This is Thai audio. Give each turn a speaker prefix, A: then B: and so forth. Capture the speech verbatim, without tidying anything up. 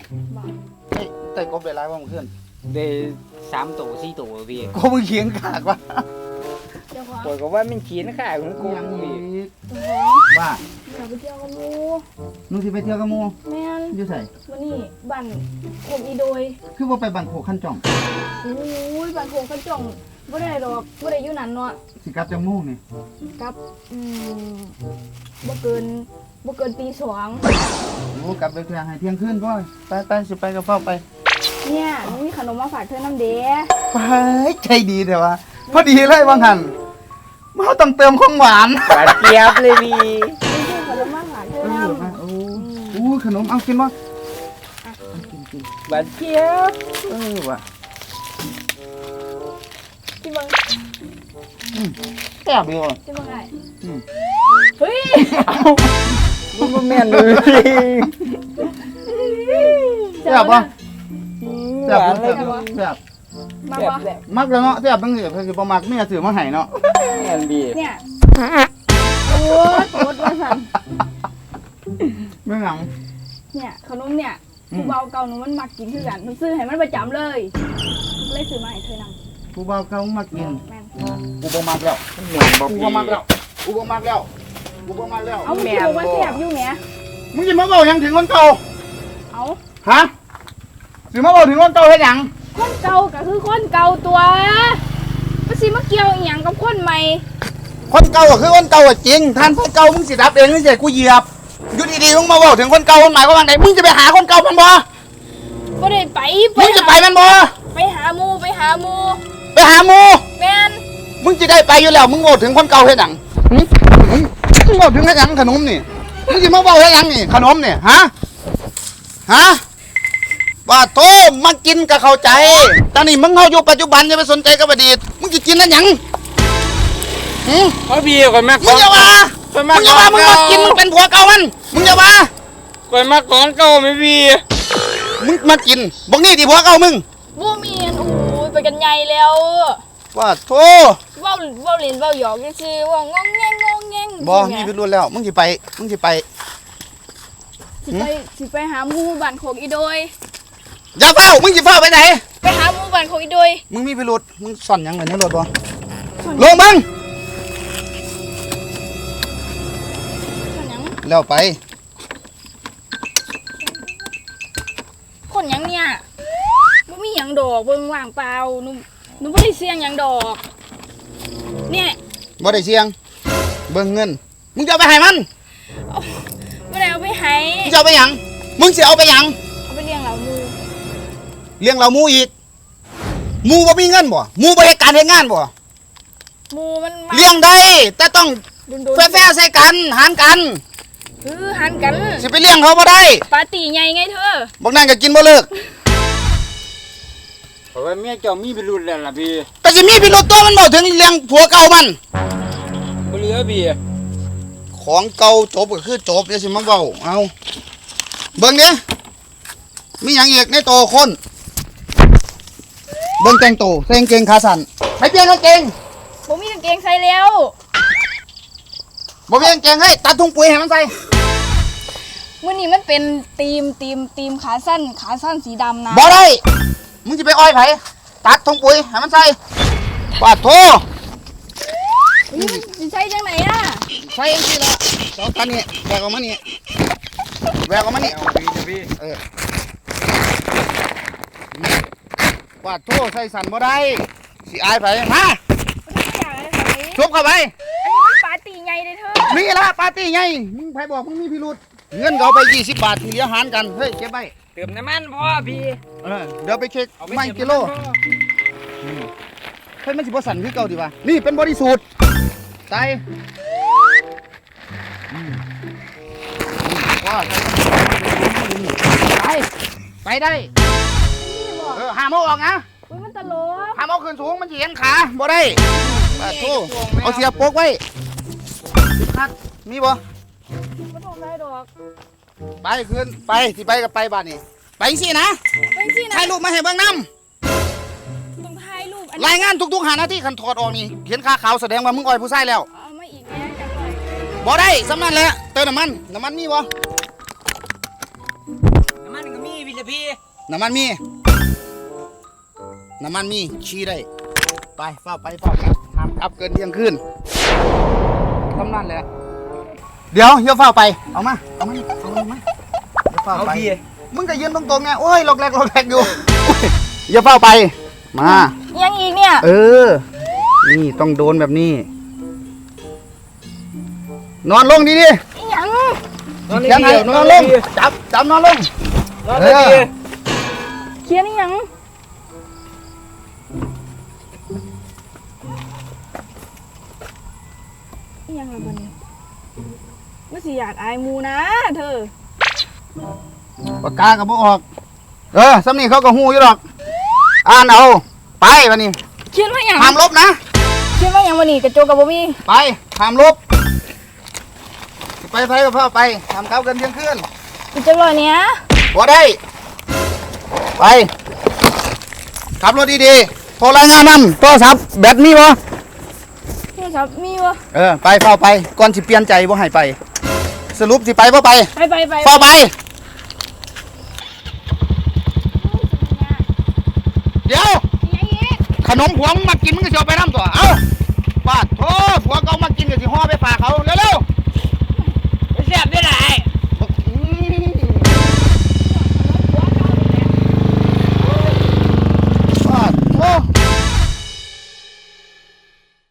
A: ไอ้ไต่กบได้หลายว่ามันขึ้น
B: ได้สามตัวสี่ตัวพี่
A: กบมันเขียงขากว่า
C: เจ้าของ
B: ปล่อยก็ว่ามันเขียนข่าของกู
A: ยัง
B: พี่
A: อีก
C: เจ้าของ
A: ว่า
C: อยากไปเที่ยวกับหมู
A: หนูสิไปเที่ยวกับหมู่
C: แม่น
A: อยู่ไส
C: วันนี้บ้านโคกอีโดย
A: คือว่าไปบังโขขั้นจ่อง
C: โอ้ยบ้านโคกกระจ่องบ่ได้ดอกบ่ได้อยู่นั่นเนาะ
A: สิกลับจังโมู่นี่
C: กับอืมบ่เกินบ่เกินตีสอง
A: โอ้กลับไปเที่ยงให้เที่ยงคืนพ่อไปไปสิไปกับพ่อไป
C: เนี่ยหนูมีขนมมาฝากเธอน้ำเด้
A: ไปใจดีแต่ว่าพอดีเลยว่างั้นเราต้องเติมของหวาน
B: หวานเจี๊ยบเลยพี่
C: มีขนมมาฝากเธอ
A: เอ
C: น้
A: อมาโอ้โอ้ขนมเอากินบ่เอากินกิน
B: หวานเจี๊ยบ
A: เออว่ะ
C: ำที่เบิ่ง
A: แซ่บดีว่ะ
C: ที่เบิ่งไอ้
A: อืม
C: เฮ้ย
B: มันบ่แม่นเลย
A: แซ่บบ่
B: ห
A: แซ่บ
B: วาน
A: บ่
B: เล
A: แซ่
B: ย
A: บ
B: พี่
A: แซ่บ
C: มา
B: แซ่บ
C: บ่
B: แซ่บ
A: มักแล้วเนาะแซ่บจังซี่เพิ่นสิบ่มักเมียซื้อมาให้เนาะ
B: แม่นพี่
C: เนี่ยโอ้ยโคตรว่าสั่น
A: ไม่หยัง
C: เนี่ยขนมเนี่ยผู้เบาเก่าหนูมันมักกินคือกันหนูซื้อให้มันประจำเลยเลยซื้อมาให้เธอนำ
A: ผู้บ่าวเขามากิน
C: แม่น
A: กูบ่มักแล้ว
B: มันเหม็นบ่
A: กู
B: พี่
A: บ่มักแล้วกูบ่มักแล้วกูบ่มักแล้ว
C: เอามันคือบอกว่าแซ่บอยู่แหม
A: มึงสิมาเว้าหยังถึงคนเก่า
C: เอา
A: ฮะสิมาเว้าถึงคนเก่าเฮ็ดหยัง
C: คนเก่าก็คือคนเก่าตัวมันสิมาเกี่ยวอีหยังกับคนใหม่
A: คนเก่าก็คือคนเก่าอะจริงท่านคนเก่ามึงสิรับเองมึงสิให้กูเหยียบอยู่ดีๆมึงมาเว้าถึงคนเก่ามันหมายความว่าไงมึงจะไปหาคนเก่ามันบ่
C: บ่ได้ไป
A: มึงจะไปมันบ่
C: ไปหาหมูไปหาหมู
A: ไปหาหมู่
C: แม่น
A: มึงจะได้ไปอยู่แล้วมึงเว้าถึงคนเก่าเฮ็ดหยังหึมึงมึงเว้าถึงเฮ็ดหยังขนมนี่มึงสิมาเว้าเฮ็ดหยังนี่ขนมนี่ฮะฮะว่าโทมากินก็เข้าใจตอนนี้มึงเฮาอยู่ปัจจุบันอย่าไปสนใจกับอดีตมึงสิกินแล้วหยังหึ
B: เพราะพี่ก่อนแม่
A: มึงอย่าว่า
B: ก่อน
A: มึงอย่าว่ามึงมากินมึงเป็นผัวเก่ามันมึงอย่าว่า
B: ก่อนมาก่อนเก่าไหมพี่
A: มึงมากินบอกนี่ดิผัวเก่ามึง
C: บ่มีอันโอ้ยไปกันใหญ่แล้ว
A: ว่าโท
C: เว้าเว้าเล่นเว้าหยอกซื่อๆเว้างองแงงงองแงง
A: บ่มีพิรุธแล้วมึงสิไปมึงสิไป
C: สิไปสิไปหาหมูบ้านโคกอีโดย
A: อย่าเฝ้ามึงสิเฝ้าไปไหน
C: ไปหาหมูบ้านโคกอีโดย
A: มึงมีพิรุธมึงซ่อนหยังไว้ในรถบ่
C: ส่วน
A: ลงมึง
C: ส่วนหยัง
A: แล้วไป
C: คนหยังเนี่ยบ่มีหยังดอกเบิ่งว่างเปล่าหนูหนูบ่ได้เสี่ยงหยังดอก เนี่ย
A: บ่ได้เสียงเบิ่งเงินมึงจะเอาไปให้มัน
C: บ่ได้เอาไปให้
A: มึงจะเอาไปหยังมึงสิเอาไปหยัง
C: เอาไปเลี้ยงเหล่าหมู
A: เลี้ยงเราหมูอีกหมูบ่มีเงินบ่หมูบ่เฮ็ดการเฮ็ดงานบ่
C: หมูมันมา
A: เลี้ยงได้แต่ต้อง
C: โดนๆ
A: แฟร์ๆใส่กันหารกัน
C: เออหันกัน
A: สิไปเลี้ยงเขาบ่ได้
C: ปาร์ตี้ใหญ่ไงเธอ
A: บอกนั่นก็กินบ่เลิก
B: เพราะว่าเมียเจ้ามีพิรุธแล้วล่ะพี่
A: แต่สิมีพิรุธตัวมันบอกถึงเลี้ยงผัวเก่ามัน
B: บ่เหลือพี่
A: ของเก่าจบก็คือจบเดี๋ยวสิมาเว้าเอาเบิ่งเด้มีหยังอีกในโตวคนเบิ่งแต่งโตวใส่กางเกงขาสั้นไปเปลี่ยนกางเกง
C: บ่มีกางเกงใส่แล้ว
A: บ่มีกางเกงให้ตัดถุงปุ๋ยให้มันใส่
C: มื้อนี้มันเป็นธีมธีมธีมขาสั้นขาสั้นสีดำนะ
A: บ่ได้มึงสิไปอ้อยไผตัดถุงปุ๋ยให้มันใส่ปาดโท
C: นี่มันสิใช้จังไหนอ่ะ
A: ใส่เองสิละสองคันนี้แบกออกมานี่แบกออกมานี่
B: เอาพี่จะพี่
A: เออนี่ปาดโทใส่สั่นบ่ได้สิอายไผมา
C: ไม่อยากให้ใส่
A: ชุบเข้าไป
C: อันนี้มันปาร์ตี้ใหญ่เลยเธอ
A: นี่ละปาร์ตี้ไงมึงไผบอกมึงมีพิรุษเงินก็เอาไปยี่สิบบาทที่เหลือหารกันเฮ้ยเก็บไว้
B: เติมน้ำมันพ่อพี่
A: เออเดี๋ยวไปเช็ค
B: เอาป
A: ไม่
B: เติ
A: กิโล
B: น้ำมันพ่อ
A: เฮ้ยมันสิบ่สั่นคือเก่าดีวะนี่เป็นบริสุทธิ์ใส่อืมว่าไปไปได้
C: นี่บอก
A: เออห้ามเอาออกนะ
C: อุ้ยมันตลก
A: ห้ามเอาขึ้นสูงมันสิเห็นขาบ่ได้ปาดโทเอาเสียบโปกไว้คัดมีบ่
C: มันทำได้ดอก
A: ไปขึ้นไปสิไปกับไปบ้านนี่ไปสินะ
C: เป็นสินะ
A: ถ่ายรูปมาให้เบิ่งนำ
C: ต้องถ่ายรูปอัน
A: รายงานทุกๆหานาทีคันถอดออกนี่เห็นขาขาวแสดงว่ามึงอ่อยผู้ชายแล้ว
C: เอามาอีกแม่จังเลย
A: บ่ได้สำนันแหละเติมน้ำมันน้ำมันมีบ่
B: น้ำมันก็มีพี่จะพี่
A: น้ำมันมีน้ำมันมีชี้ได้ไปเฝ้าไปเฝ้ากลับห้ามกลับเกินเที่ยงคืนทำนั่นแหละเดี๋ยวเดี๋ยวเฝ้าไปเอามาเอามาเอามาเดี๋ยวเฝ้า
B: เอา
A: ไป
B: พี่
A: มึงก็ยืนตรงๆไงโอ้ยหลอกแรกหลอกแรกอยู่อย่าเฝ้าไปมา
C: ยังอีกเนี่ย
A: เออนี่ต้องโดนแบบนี้นอนลงดีดิ
C: อีหยัง
B: นอน
A: ยัง
B: พี่
A: ไงนอนลงจับจับนอนลง
B: นอนเลยพี่
C: เขียนอีหยังอีหยังละบัดนี้มันสิอยากอายหมูนะเธอ
A: ปากกากับบ่ออกเออสำนีเขาก็หูอยู่หรอกอ่านเอาไปวันนี้
C: เขียนว่าหยัง
A: ห้ามลบนะ
C: เขียนว่าหยังวันนี้กระโจกกับบ่มี
A: ไปห้ามลบไปไปกับพ่อไปทำเก้าเกินเที่ยงคืน
C: อีจังเลยเนี้ย
A: บ่ได้ไปขับรถดีๆโทรรายงานนำโทรศัพท์แบตมีบ่
C: โทรศัพท์มีบ่
A: เออไปเฝ้าไปก่อนสิเปลี่ยนใจบ่ให้ไป สรุปสิไปบ่ไป
C: ไปไปไป
A: เฝ้าไปเดี๋ยว
C: อีหยังอีก
A: ขนมผวงมากินมึงก็สิเอาไปน้ำตัวเอ้าปาดโถผัวเขามากินก็สิห่อไปฝากเขาเร็วๆ